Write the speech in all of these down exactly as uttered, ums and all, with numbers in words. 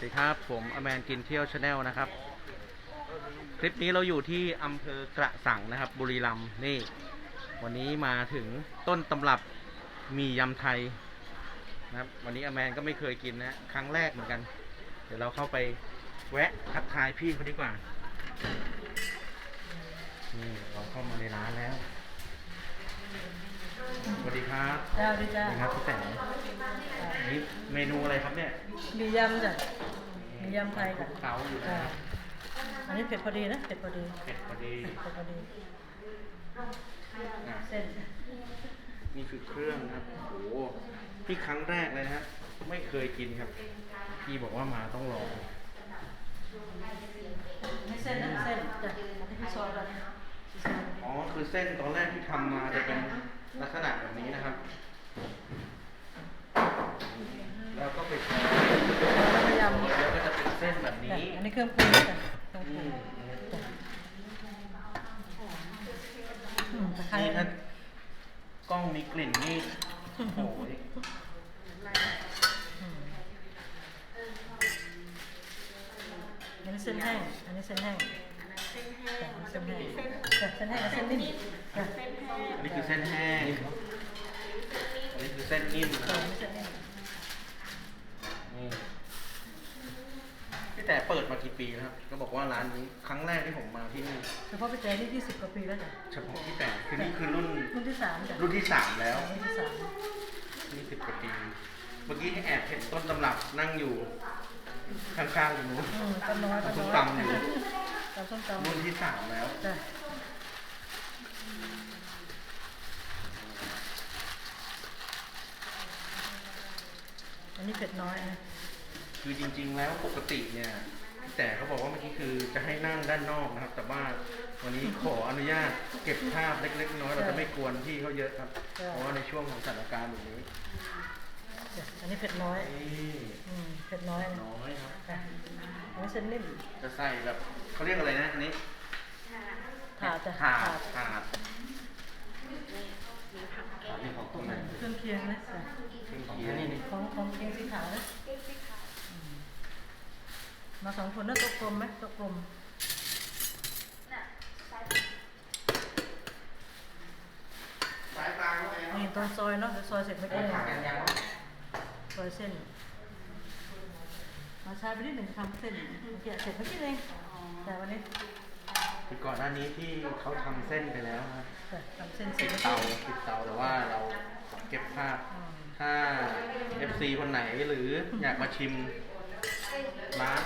ดีครับผมอแมนกินเที่ยวชาแนลนะครับคลิปนี้เราอยู่ที่อำเภอกระสังนะครับบุรีรัมย์นี่วันนี้มาถึงต้นตำรับมียำไทยนะครับวันนี้อแมนก็ไม่เคยกินนะครั้งแรกเหมือนกันเดี๋ยวเราเข้าไปแวะทักทายพี่เขาดีกว่านี่เราเข้ามาในร้านแล้วสวัสดีครับจ้าดีจ้าสวัสดีครับพี่แต่นี่เมนูอะไรครับเนี่ยมียำจ้ะมียำไทยคลุจ้ะกเคล้าอยู่นะจ้าอันนี้เผ็ดพอดีนะเผ็ดพอดีเผ็ดพอดีเผ็ดพอดีอ่ะเส้นนี่คือเครื่องนะครับโอ้โหพี่ครั้งแรกเลยนะฮะไม่เคยกินครับพี่บอกว่ามาต้องลองไม่เส้นนะเส้นจ้ะอันนี้คือซอยแล้วนะซอยอ๋อคือเส้นตอนแรกที่ทำมาจะเป็นลักษณะแบบนี้นะครับแล้วก็ไปทอดแล้วก็ยำแล้วก็จะเป็นเส้นแบบจ้ะนี้อันนี้เครื่องปรุงจ้ะเครื่องปอืรุงมจ้ะอืมตะไคร้นี่ถ้ากล้องมีกลิ่นนี่โอ้โหอืมอันนี้เส้นแห้งอันนี้เส้นแห้งจ้ะเส้นแห้งจ้ะเส้นแห้งกับเส้นนิ่มจ้ะอันนี้คือเส้นแห้งอันนี้คือเส้นนิ่มนะคจ้ะรับอันนี้เส้นนิ่มนี่พี่แต่เปิดมากี่ปีแล้วครับก็บอกว่าร้านนี้ครั้งแรกที่ผมมาที่นี่เฉพาะพี่แจ๊นี่ยี่สิบกว่าปีแล้วจ้ะเฉพาะพี่แต่คือนี่คือรุ่นรุ่นที่สามจ้ะรุ่นที่สามแล้วรุ่นที่สามนี่สิบกว่าปี เมื่อกี้แอบเห็นต้นตำรับนั่งอยู่ข้างๆอยู่นู้นอืมต้นน้อยต้นส้มน้อยตำอยู่ตำส้มตำรุ่นที่สามแล้วจ้ะอันนี้เผ็ดน้อยนะคือจริงๆแล้วปกติเนี่ยแต่เขาบอกว่าเมื่อกี้คือจะให้นั่งด้านนอกนะครับ แต่ว่าวันนี้ขออนุญาตเก็บภาพเล็กๆน้อยๆเราจะไม่กวนพี่เขาเยอะครับ เพราะว่าในช่วงของสถานการณ์แบบนี้จ้ะอันนี้เผ็ดน้อยนี่อืมเผ็ดน้อยนะน้อยครับจ้ะอันนี้เส้นนิ่มจะใส่แบบเขาเรียกอะไรนะอันนี้ถาดจ้ะถาดถาดถาดถาดนี่ของตรงไหนเครื่องเคียงนะจ้ะเครื่องเคียงนี่ของของเคียงสีขาวนะอืมมาสองคนนะโต๊ะกลมไหมโต๊ะกลมสายกลางแล้วไงนี่ตอนซอยเนาะเดี๋ยวซอยเสร็จไม่ได้ถาดกันยังซอยเส้น มาช้าไปนิดหนึ่งทำเส้นเมื่อกี้เสร็จเมื่อกี้เองแต่วันนี้คือก่อนหน้านี้ที่เขาทำเส้นไปแล้วครับแต่ทำเส้นเสร็ปิจดเมื่อเตากี้ปิดเตาแต่ว่าเราเก็บภาพอืมถ้า เอฟ ซี คนไหนหรืออยากมาชิมร้าน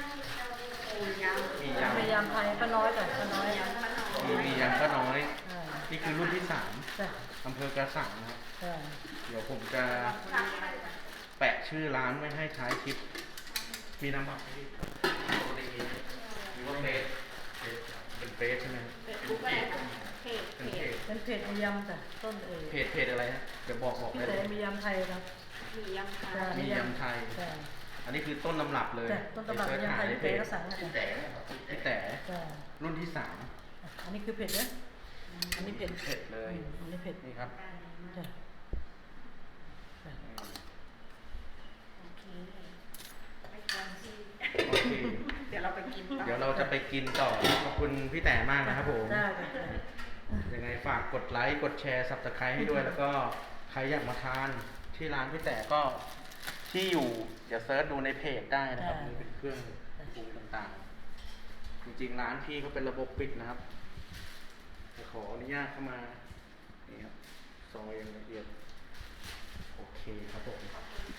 มียำพยายามไทยป้าน้อยแต่ป้าน้อยมีมียำก็น้อยอ่านี่คือรุ่นที่สามจ้ะอำเภอกระสังนะครับจ้ะเดี๋ยวผมจะแปะชื่อร้านไว้ให้ท้ายคลิป มีน้ำบักไหมพี่ปกติมีไหมหรือว่าเฟสเป็นเฟสใช่ไหมเป็นเพจเป็นเพจเป็นเพจมียำจ้ะต้นเอ๋ยเพจเพจอะไรฮะเดี๋ยวบอกบอกพี่ได้แต่เลยมียำไทยครับมียำค่ะจ้ะมียำไทยจ้ะอันนี้คือต้นตำรับเลยจ้ะต้นตำรับปเสิมีชยำไทยหาพี่ในแต่ก็สั่งนะพี่จ้ะแต่พี่แต่จ้ะรุ่นที่สามอันนี้คือเผ็ดนะอันนี้เผ็ดเผ็ดเลยอืมอันนี้เผ็ดนี่ครับจ้ะจ้ะโอเคไม่ควรที่โอเคเดี๋ยวเราไปกินต่อเดี๋ยวเราจะไปกินต่อ ขอบคุณพี่แต่มากนะครับผมได้จ้ะจ้ะยังไงฝากกดไลค์ กดแชร์ สับสไครต์ให้ด้วย แล้วก็ใครอยากมาทานที่ร้านพี่แต่ก็ที่อยู่ เดี๋ยวเซิร์ชดูในเพจได้นะครับนี่เป็นเครื่องปรุงต่างๆ จริงๆ ร้านพี่เขาเป็นระบบปิดนะครับแต่ขออนุญาตเข้ามา นี่ครับ ซอยอย่างละเอียด โอเคครับผม